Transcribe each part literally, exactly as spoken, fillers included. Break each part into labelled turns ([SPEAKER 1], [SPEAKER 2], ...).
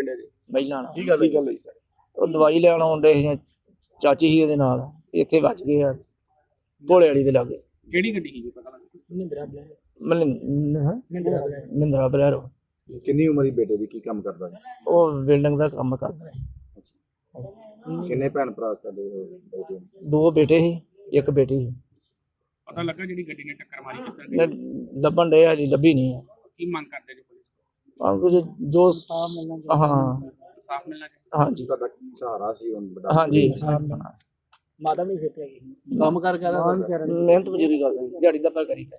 [SPEAKER 1] ਕਰਨ ਦੇ ਜੀ
[SPEAKER 2] ਪਹਿਲਾਂ
[SPEAKER 1] ਕੀ ਗੱਲ ਕੀ ਗੱਲ ਹੋਈ ਸਰ?
[SPEAKER 2] ਉਹ ਦਵਾਈ ਲੈਣ ਆਉਂਦੇ ਸੀ, ਚਾਚੀ ਸੀ ਉਹਦੇ ਨਾਲ, ਇੱਥੇ ਵੱਜ ਗਏ ਆ ਭੋਲੇ ਵਾਲੀ ਦੇ ਲਾਗੇ।
[SPEAKER 1] ਕਿਹੜੀ ਗੱਡੀ ਸੀ ਪਤਾ ਲੱਗਾ?
[SPEAKER 3] ਮਹਿੰਦਰਾ ਬਲੈਰੋ।
[SPEAKER 2] ਮਹਿੰਦਰਾ ਮਹਿੰਦਰਾ ਬਲੈਰੋ।
[SPEAKER 4] ਕਿੰਨੀ ਉਮਰ ਦੀ ਬੇਟੇ ਦੀ, ਕੀ ਕੰਮ ਕਰਦਾ ਹੈ?
[SPEAKER 2] ਉਹ ਬਿਲਡਿੰਗ ਦਾ ਕੰਮ ਕਰਦਾ ਹੈ।
[SPEAKER 4] ਕਿੰਨੇ ਭੈਣ ਭਰਾ ਤੁਹਾਡੇ ਬੇਟੇ?
[SPEAKER 2] ਦੋ ਬੇਟੇ ਸੀ, ਇੱਕ ਬੇਟੀ ਸੀ।
[SPEAKER 1] ਪਤਾ ਲੱਗਾ ਜਿਹੜੀ ਗੱਡੀ ਨੇ ਟੱਕਰ ਮਾਰੀ ਕਿੱਥੇ ਗਈ?
[SPEAKER 2] ਲ- ਲੱਭਣ ਡਏ ਆ ਜੀ, ਲੱਭੀ ਨਹੀਂ ਹੈ।
[SPEAKER 1] ਕੀ ਮੰਗ ਕਰਦੇ ਜੀ ਪੁਲਿਸ
[SPEAKER 2] ਆਹ ਕੁਝ ਜੋ ਹਾਂ
[SPEAKER 1] ਸਾਫ ਮਿਲਣਾ ਚਾਹੀਦਾ?
[SPEAKER 2] ਹਾਂਜੀ
[SPEAKER 4] ਤੁਹਾਡਾ ਸਹਾਰਾ ਸੀ ਹੁਣ ਬੜਾ।
[SPEAKER 2] ਹਾਂਜੀ
[SPEAKER 3] ਮਾਤਾ ਵੀ ਸਿੱਟਿਆ ਗਈ ਕੰਮ ਕਰ ਕਰ
[SPEAKER 2] ਮਿਹਨਤ ਮਜ਼ਦੂਰੀ ਕਰਦੇ, ਦਿਹਾੜੀ ਦਾ ਪਾ ਕਰੀਦਾ।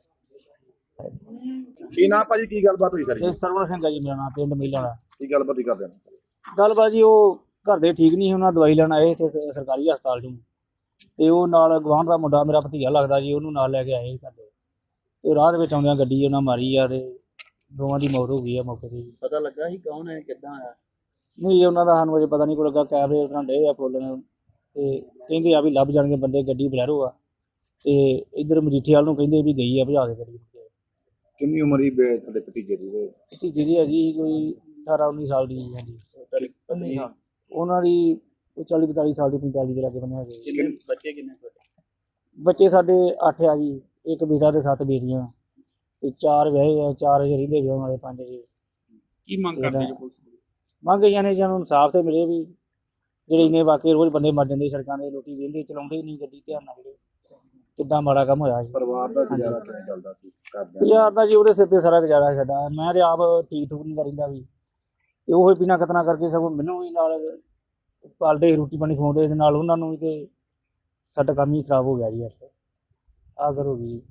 [SPEAKER 4] ਕੀ ਨਾਮ ਭਾਜੀ, ਕੀ ਗੱਲਬਾਤ ਹੋਈ ਕਰੀ?
[SPEAKER 3] ਤੇ ਸਰਵਣ ਸਿੰਘ ਆ ਜੀ ਮੇਰਾ ਨਾਮ, ਪਿੰਡ ਮੀਲਾ ਦਾ।
[SPEAKER 4] ਕੀ ਗੱਲਬਾਤ ਹੀ ਕਰਦੇ ਨੇ?
[SPEAKER 3] ਗੱਲਬਾਤ ਜੀ ਉਹ ਘਰ ਦੇ ਠੀਕ ਨਹੀਂ, ਉਹਨਾਂ ਦਵਾਈ ਲੈਣ ਆਏ ਇੱਥੇ ਸ- ਸਰਕਾਰੀ ਹਸਪਤਾਲ 'ਚੋਂ, ਤੇ ਉਹ ਨਾਲ ਗਵਾਂਢ ਦਾ ਮੁੰਡਾ ਮੇਰਾ ਭਤੀਜਾ ਲੱਗਦਾ ਜੀ, ਉਹਨੂੰ ਨਾਲ ਲੈ ਕੇ ਆਏ ਘਰ ਦੇ, ਤੇ ਰਾਹ ਦੇ ਵਿੱਚ ਆਉਂਦਿਆਂ ਗੱਡੀ ਉਹਨਾਂ ਮਾਰੀ ਆ, ਤੇ ਦੋਵਾਂ ਦੀ ਮੌਤ ਹੋ ਗਈ ਆ ਮੌਕੇ 'ਤੇ ਜੀ।
[SPEAKER 5] ਪਤਾ ਲੱਗਾ ਸੀ ਕੌਣ ਹੈ ਕਿੱਦਾਂ ਆਇਆ?
[SPEAKER 3] ਨਹੀਂ ਉਹਨਾਂ ਦਾ ਸਾਨੂੰ ਅਜੇ ਪਤਾ ਨਹੀਂ ਕੋਈ ਲੱਗਾ, ਕੈਮਰੇ ਉਹਨਾਂ ਡੇ ਆ ਫੋਲਣ, ਤੇ ਕਹਿੰਦੇ ਆ ਵੀ ਲੱਭ ਜਾਣਗੇ ਬੰਦੇ, ਗੱਡੀ ਬਲੈਰੋ ਆ, ਤੇ ਇੱਧਰ ਮਜੀਠੇ ਵਾਲ ਨੂੰ ਕਹਿੰਦੇ ਵੀ ਗਈ ਆ ਭਜਾ ਕੇ ਗੱਡੀ।
[SPEAKER 4] ਕਿੰਨੀ ਉਮਰ ਹੀ ਬੇ ਤੁਹਾਡੇ ਭਤੀਜੇ ਦੀ?
[SPEAKER 3] ਭਤੀਜੇ ਦੀ ਹੈਗੀ ਕੋਈ ਅਠਾਰਾਂ ਉੱਨੀ ਸਾਲ ਦੀ ਹਾਂਜੀ।
[SPEAKER 5] ਪਤਨੀ ਸਾਲ
[SPEAKER 3] ਉਹਨਾਂ ਦੀ ਕੋਈ ਚਾਲੀ ਪੰਤਾਲੀ ਸਾਲ ਦੀ, ਪੰਤਾਲੀ ਦੇ ਲਾਗੇ ਬੰਨੇ ਹੈਗੇ।
[SPEAKER 5] ਕਿੰਨੇ ਬੱਚੇ ਕਿੰਨੇ ਤੁਹਾਡੇ?
[SPEAKER 3] ਬੱਚੇ ਸਾਡੇ ਅੱਠ ਆ ਜੀ, ਇੱਕ ਬੇਟਾ ਤੇ ਸੱਤ ਬੇਟੀਆਂ, ਤੇ ਚਾਰ ਵਿਆਹੇ ਆ, ਚਾਰ ਅਜੇ ਰਹਿੰਦੇ ਵਿਆਹ ਵਾਲੇ, ਪੰਜ ਜੀ।
[SPEAKER 1] ਕੀ ਮੰਗ ਕਰਦੇ ਜੀ ਪੁਲਿਸ ਨੂੰ?
[SPEAKER 3] ਮੰਗ ਜਾਣੇ ਸਾਨੂੰ ਇਨਸਾਫ ਤੇ ਮਿਲੇ ਵੀ, ਜਿਹੜੇ ਇੰਨੇ ਵਾਕਈ ਰੋਜ਼ ਬੰਦੇ ਮਰ ਜਾਂਦੇ ਸੜਕਾਂ ਦੇ, ਲੋਕੀ ਵਹਿੰਦੇ ਚਲਾਉਂਦੇ ਹੀ ਨਹੀਂ ਗੱਡੀ, ਧਿਆਨ ਨਾਲ ਜਿਹੜੇ ਕਿੱਦਾਂ ਮਾੜਾ ਕੰਮ ਹੋਇਆ ਜੀ।
[SPEAKER 4] ਪਰਿਵਾਰ ਦਾ ਗੁਜ਼ਾਰਾ ਕਿਵੇਂ ਚੱਲਦਾ ਸੀ ਘਰਦਿਆਂ ਦਾ?
[SPEAKER 3] ਗੁਜ਼ਾਰ ਦਾ ਜੀ ਉਹਦੇ ਸਿਰ ਤੇ ਸਾਰਾ ਗੁਜ਼ਾਰਾ ਹੈ ਸਾਡਾ। ਮੈਂ ਤੇ ਆਪ ਠੀਕ ਠੂਕ ਨਹੀਂ ਕਰੀਂਦਾ ਵੀ, ਤੇ ਉਹ ਬਿਨਾਂ ਕਤਨਾ ਕਰਕੇ ਸਗੋਂ ਮੈਨੂੰ ਵੀ ਨਾਲ ਪਾਲਦੇ, ਰੋਟੀ ਪਾਣੀ ਖਵਾਉਂਦੇ, ਦੇ ਨਾਲ ਉਹਨਾਂ ਨੂੰ ਵੀ, ਤੇ ਸਾਡਾ ਕੰਮ ਹੀ ਖਰਾਬ ਹੋ ਗਿਆ ਜੀ। ਆ ਕਰ ਹੋ ਗਈ ਜੀ।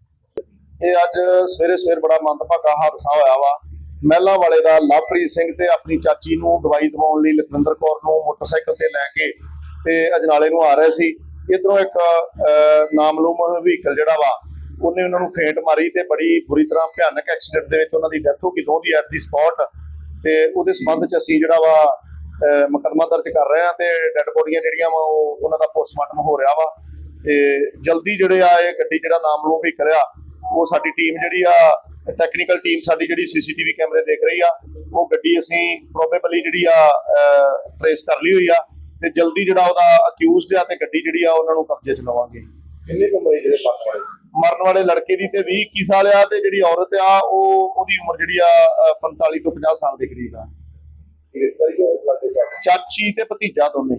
[SPEAKER 6] ਇਹ ਅੱਜ ਸਵੇਰੇ ਸਵੇਰ ਬੜਾ ਮੰਦਭਾਗਾ ਹਾਦਸਾ ਹੋਇਆ ਵਾ। ਮਹਿਲਾ ਵਾਲੇ ਦਾ ਲਵਪ੍ਰੀਤ ਸਿੰਘ ਤੇ ਆਪਣੀ ਚਾਚੀ ਨੂੰ ਦਵਾਈ ਦਿਵਾਉਣ ਲਈ ਲਖਵਿੰਦਰ ਕੌਰ ਨੂੰ ਮੋਟਰਸਾਈਕਲ ਤੇ ਲੈ ਕੇ ਤੇ ਅਜਨਾਲੇ ਨੂੰ ਆ ਰਹੇ ਸੀ। ਇਧਰੋਂ ਇੱਕ ਨਾਮਲੂਮ ਵਹੀਕਲ ਜਿਹੜਾ ਵਾ ਉਹਨੇ ਉਹਨਾਂ ਨੂੰ ਫੇਂਟ ਮਾਰੀ ਤੇ ਬੜੀ ਬੁਰੀ ਤਰ੍ਹਾਂ ਭਿਆਨਕ ਐਕਸੀਡੈਂਟ ਦੇ ਵਿੱਚ ਉਹਨਾਂ ਦੀ ਡੈਥ ਹੋ ਗਈ, ਦੋਹਾਂ ਦੀ ਐਟ ਦੀ ਸਪੌਟ। ਤੇ ਉਹਦੇ ਸੰਬੰਧ ਚ ਅਸੀਂ ਜਿਹੜਾ ਵਾ ਮੁਕੱਦਮਾ ਦਰਜ ਕਰ ਰਹੇ ਹਾਂ, ਤੇ ਡੈਡ ਬੋਡੀਆਂ ਜਿਹੜੀਆਂ ਵਾ ਉਹ ਉਹਨਾਂ ਦਾ ਪੋਸਟਮਾਰਟਮ ਹੋ ਰਿਹਾ ਵਾ। ਤੇ ਜਲਦੀ ਜਿਹੜੇ ਆ ਇਹ ਗੱਡੀ ਜਿਹੜਾ ਨਾਮਲੂਮ ਵਹੀਕਲ ਆ, ਉਹ ਸਾਡੀ ਟੀਮ ਜਿਹੜੀ ਆ ਟੈਕਨੀਕਲ ਟੀਮ ਸਾਡੀ ਜਿਹੜੀ ਸੀਸੀਟੀਵੀ ਕੈਮਰੇ ਦੇਖ ਰਹੀ ਆ, ਉਹ ਗੱਡੀ ਅਸੀਂ ਪ੍ਰੋਬੇਬਲੀ ਜਿਹੜੀ ਆ ਟ੍ਰੇਸ ਕਰ ਲਈ ਹੋਈ ਆ, ਤੇ ਜਲਦੀ ਜਿਹੜਾ ਉਹਦਾ ਅਕਿਊਜ਼ਡ ਆ ਤੇ ਗੱਡੀ ਜਿਹੜੀ ਆ ਉਹਨਾਂ ਨੂੰ ਕਬਜ਼ੇ 'ਚ ਲਵਾਂਗੇ।
[SPEAKER 4] ਕਿੰਨੇ ਕੁ ਉਮਰ ਜਿਹੜੇ ਮਰਨ ਵਾਲੇ?
[SPEAKER 6] ਮਰਨ ਵਾਲੇ ਲੜਕੇ ਦੀ ਤੇ ਵੀਹ ਇੱਕੀ ਸਾਲ ਆ, ਤੇ ਜਿਹੜੀ ਔਰਤ ਆ ਉਹ ਉਹਦੀ ਉਮਰ ਜਿਹੜੀ ਆ ਪੰਤਾਲੀ ਤੋਂ ਪੰਜਾਹ ਸਾਲ ਦੇ ਕਰੀਬ ਆ। ਚਾਚੀ ਤੇ ਭਤੀਜਾ ਦੋਨੇ।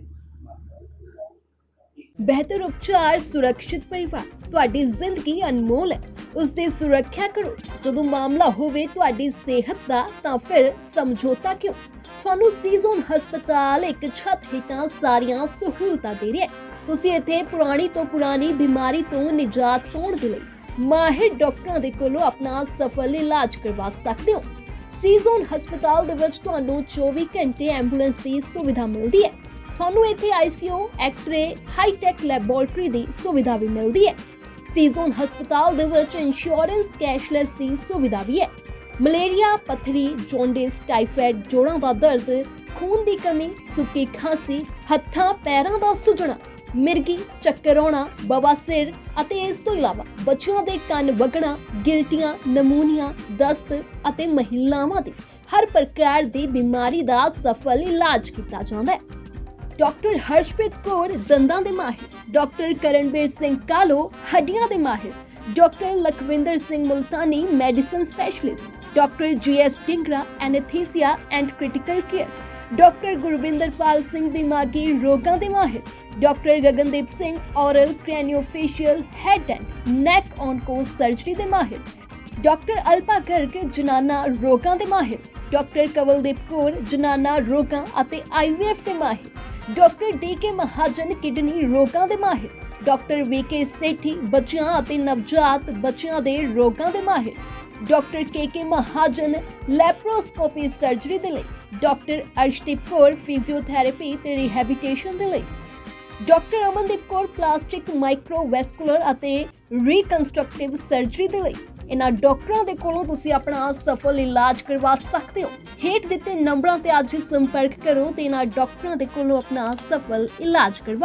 [SPEAKER 7] ਬਿਹਤਰ ਉਪਚਾਰ, ਸੁਰੱਖਿਅਤ ਪਰਿਵਾਰ। ਤੁਹਾਡੀ ਜ਼ਿੰਦਗੀ ਅਨਮੋਲ ਹੈ, ਉਸ ਦੀ ਸੁਰੱਖਿਆ ਕਰੋ। ਜਦੋਂ ਮਾਮਲਾ ਹੋਵੇ ਤੁਹਾਡੀ ਸਿਹਤ ਦਾ, ਤਾਂ ਫਿਰ ਸਮਝੌਤਾ ਕਿਉਂ? ਤੁਹਾਨੂੰ ਸੀਜ਼ਨ ਹਸਪਤਾਲ ਇੱਕ ਛੱਤ ਹੇਠਾਂ ਸਾਰੀਆਂ ਸਹੂਲਤਾਂ ਦੇ ਰਿਹਾ ਹੈ। ਤੁਸੀਂ ਇੱਥੇ ਪੁਰਾਣੀ ਤੋਂ ਪੁਰਾਣੀ ਬਿਮਾਰੀ ਤੋਂ ਨਿਜਾਤ ਪਾਉਣ ਦੇ ਲਈ ਮਾਹਿਰ ਡਾਕਟਰਾਂ ਦੇ ਕੋਲੋਂ ਆਪਣਾ ਸਫਲ ਇਲਾਜ ਕਰਵਾ ਸਕਦੇ ਹੋ। ਸੀਜ਼ਨ ਹਸਪਤਾਲ ਦੇ ਵਿੱਚ ਤੁਹਾਨੂੰ ਚੌਵੀ ਘੰਟੇ ਐਂਬੂਲੈਂਸ ਦੀ ਸੁਵਿਧਾ ਮਿਲਦੀ ਹੈ। ਤੁਹਾਨੂੰ ਇੱਥੇ ਆਈਸੀਯੂ, ਐਕਸ-ਰੇ, ਹਾਈ-ਟੈਕ ਲੈਬੋਰੇਟਰੀ ਦੀ ਸੁਵਿਧਾ ਵੀ ਮਿਲਦੀ ਹੈ। ਸੀਜ਼ਨ ਹਸਪਤਾਲ ਦੇ ਵਿੱਚ ਇੰਸ਼ੋਰੈਂਸ ਕੈਸ਼ਲੈਸ ਦੀ ਸੁਵਿਧਾ ਵੀ ਹੈ। ਮਲੇਰੀਆ, ਪੱਥਰੀ, ਜੌਂਡਿਸ, ਟਾਈਫਾਇਡ, ਜੋੜਾਂ ਦਾ ਦਰਦ, ਖੂਨ ਦੀ ਕਮੀ, ਸੁੱਕੀ ਖਾਂਸੀ, ਹੱਥਾਂ ਪੈਰਾਂ ਦਾ ਸੁੱਜਣਾ, ਮਿਰਗੀ, ਚੱਕਰ ਆਉਣਾ, ਬਵਾਸੀਰ ਅਤੇ ਇਸ ਤੋਂ ਇਲਾਵਾ ਬੱਚਿਆਂ ਦੇ ਕੰਨ ਵਗਣਾ, ਗਿਲਟੀਆਂ, ਨਮੂਨੀਆ, ਦਸਤ ਅਤੇ ਮਹਿਲਾਵਾਂ ਦੀ ਹਰ ਪ੍ਰਕਾਰ ਦੀ ਬਿਮਾਰੀ ਦਾ ਸਫਲ ਇਲਾਜ ਕੀਤਾ ਜਾਂਦਾ ਹੈ। ਡਾਕਟਰ ਹਰਸ਼ਪ੍ਰੀਤ ਕੌਰ ਦੰਦਾਂ ਦੇ ਮਾਹਿਰ, ਡਾਕਟਰ ਕਰਨਵੀਰ ਸਿੰਘ ਕਾਲੋ ਹੱਡੀਆਂ ਦੇ ਮਾਹਿਰ, doctor Lakhwinder Singh Multani medicine specialist, doctor G S Dhingra anaesthesia and critical care, doctor Gurvinderpal Singh ਦਿਮਾਗੀ ਰੋਗਾਂ ਦੇ ਮਾਹਿਰ, doctor Gagandeep Singh oral craniofacial head and neck onco surgery ਦੇ ਮਾਹਿਰ, ਡਾਕਟਰ ਅਲਪਾ ਗਰਗ ਜਨਾਨਾ ਰੋਗਾਂ ਦੇ ਮਾਹਿਰ, ਡਾਕਟਰ ਕਵਲਦੀਪ ਕੌਰ ਜਨਾਨਾ ਰੋਗਾਂ ਅਤੇ ਆਈ ਵੀ ਐਫ ਦੇ ਮਾਹਿਰ, doctor D K Mahajan kidney ਰੋਗਾਂ ਦੇ ਮਾਹਿਰ, ਡਾਕਟਰ ਵੀ ਕੇ ਸੇਠੀ ਬੱਚਿਆਂ ਅਤੇ ਨਵਜਾਤ ਬੱਚਿਆਂ ਦੇ ਰੋਗਾਂ ਦੇ ਮਾਹਿਰ, doctor K K Mahajan laparoscopy surgery ਦੇ ਲਈ, ਡਾਕਟਰ ਅਰਸ਼ਦੀਪ ਕੌਰ ਫਿਜ਼ੀਓਥੈਰੇਪੀ ਤੇ ਰਿਹੈਬਿਲਿਟੇਸ਼ਨ ਦੇ ਲਈ, doctor Amandeep Kaur plastic microvascular ਅਤੇ ਰੀਕਨਸਟਰਕਟਿਵ ਸਰਜਰੀ ਦੇ ਲਈ। ਇਹਨਾਂ ਡਾਕਟਰਾਂ ਦੇ ਕੋਲੋਂ ਤੁਸੀਂ ਆਪਣਾ ਸਫਲ ਇਲਾਜ ਕਰਵਾ ਸਕਦੇ ਹੋ। ਹੇਠ ਦਿੱਤੇ ਨੰਬਰਾਂ ਤੇ ਅੱਜ ਹੀ ਸੰਪਰਕ ਕਰੋ ਤੇ ਇਹਨਾਂ ਡਾਕਟਰਾਂ ਦੇ ਕੋਲੋਂ ਆਪਣਾ ਸਫਲ ਇਲਾਜ ਕਰਵਾਓ।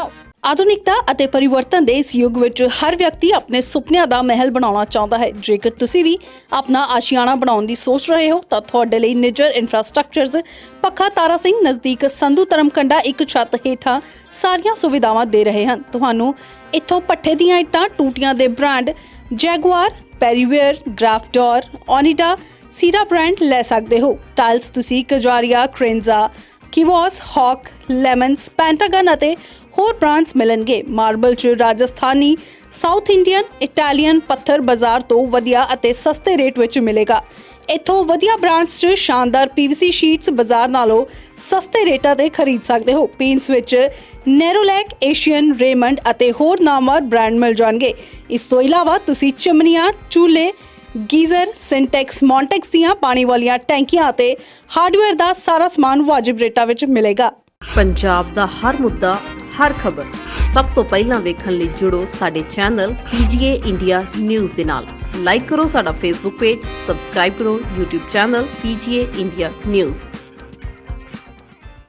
[SPEAKER 8] ਆਧੁਨਿਕਤਾ ਅਤੇ ਪਰਿਵਰਤਨ ਦੇ ਇਸ ਯੁੱਗ ਵਿੱਚ ਹਰ ਵਿਅਕਤੀ ਆਪਣੇ ਸੁਪਨਿਆਂ ਦਾ ਮਹਿਲ ਬਣਾਉਣਾ ਚਾਹੁੰਦਾ ਹੈ। ਜੇਕਰ ਤੁਸੀਂ ਵੀ ਆਪਣਾ ਆਸ਼ੀਆਣਾ ਬਣਾਉਣ ਦੀ ਸੋਚ ਰਹੇ ਹੋ ਤਾਂ ਤੁਹਾਡੇ ਲਈ ਨਿੱਜਰ ਇਨਫਰਾਸਟ੍ਰਕਚਰਜ਼ ਪੱਖਾ ਤਾਰਾ ਸਿੰਘ ਨਜ਼ਦੀਕ ਸੰਧੂ ਧਰਮਕੰਡਾ ਇੱਕ ਛੱਤ ਹੇਠਾਂ ਸਾਰੀਆਂ ਸੁਵਿਧਾਵਾਂ ਦੇ ਰਹੇ ਹਨ। ਤੁਹਾਨੂੰ ਇੱਥੋਂ ਪੱਠੇ ਦੀਆਂ ਇੱਟਾਂ, ਟੂਟੀਆਂ ਦੇ ਬ੍ਰਾਂਡ ਜੈਗੁਆਰ, ਪੈਰੀਵੇਅਰ, ਗ੍ਰਾਫਡੋਰ, ਓਨੀਡਾ, ਸੀਰਾ ਬ੍ਰਾਂਡ ਲੈ ਸਕਦੇ ਹੋ। ਟਾਇਲਸ ਤੁਸੀਂ ਕਜਾਰੀਆ, ਕ੍ਰੇਨਜ਼ਾ, ਕਿਵੋਸ, ਹੌਕ, ਲੈਮਨਸ, ਪੈਂਟਾਗਨ ਅਤੇ ਹੋਰ ਬ੍ਰਾਂਡਸ ਮਿਲਣਗੇ। ਮਾਰਬਲ 'ਚ ਰਾਜਸਥਾਨੀ, ਸਾਊਥ ਇੰਡੀਅਨ, ਇਟਾਲੀਅਨ ਪੱਥਰ ਬਾਜ਼ਾਰ ਤੋਂ ਵਧੀਆ ਅਤੇ ਸਸਤੇ ਰੇਟ ਵਿੱਚ ਮਿਲੇਗਾ। ਇੱਥੋਂ ਵਧੀਆ ਬ੍ਰਾਂਡਸ 'ਚ ਸ਼ਾਨਦਾਰ ਪੀਵੀਸੀ ਸ਼ੀਟਸ ਬਾਜ਼ਾਰ ਨਾਲੋਂ ਸਸਤੇ ਰੇਟਾਂ ਤੇ ਖਰੀਦ ਸਕਦੇ ਹੋ। ਪੇਂਟਸ ਵਿੱਚ ਨੈਰੋਲੈਕ, ਏਸ਼ੀਅਨ, ਰੇਮੰਡ ਅਤੇ ਹੋਰ ਨਾਮਵਰ ਬ੍ਰਾਂਡ ਮਿਲ ਜਾਣਗੇ। ਇਸ ਤੋਂ ਇਲਾਵਾ ਤੁਸੀਂ ਚਿਮਨੀਆਂ, ਚੂਲੇ, ਗੀਜ਼ਰ, ਸਿੰਟੈਕਸ, ਮੌਂਟੈਕਸ ਦੀਆਂ ਪਾਣੀ ਵਾਲੀਆਂ ਟੈਂਕੀਆਂ ਅਤੇ ਹਾਰਡਵੇਅਰ ਦਾ ਸਾਰਾ ਸਮਾਨ ਵਾਜਿਬ ਰੇਟਾਂ ਵਿੱਚ ਮਿਲੇਗਾ।
[SPEAKER 9] ਪੰਜਾਬ ਦਾ ਹਰ ਮੁੱਦਾ, ਹਰ ਖਬਰ ਸਭ ਤੋਂ ਪਹਿਲਾਂ ਵੇਖਣ ਲਈ ਜੁੜੋ ਸਾਡੇ ਚੈਨਲ ਪੀਜੀਏ ਇੰਡੀਆ ਨਿਊਜ਼ ਦੇ ਨਾਲ। ਲਾਈਕ ਕਰੋ ਸਾਡਾ ਫੇਸਬੁੱਕ ਪੇਜ, ਸਬਸਕ੍ਰਾਈਬ ਕਰੋ YouTube channel PGA India news.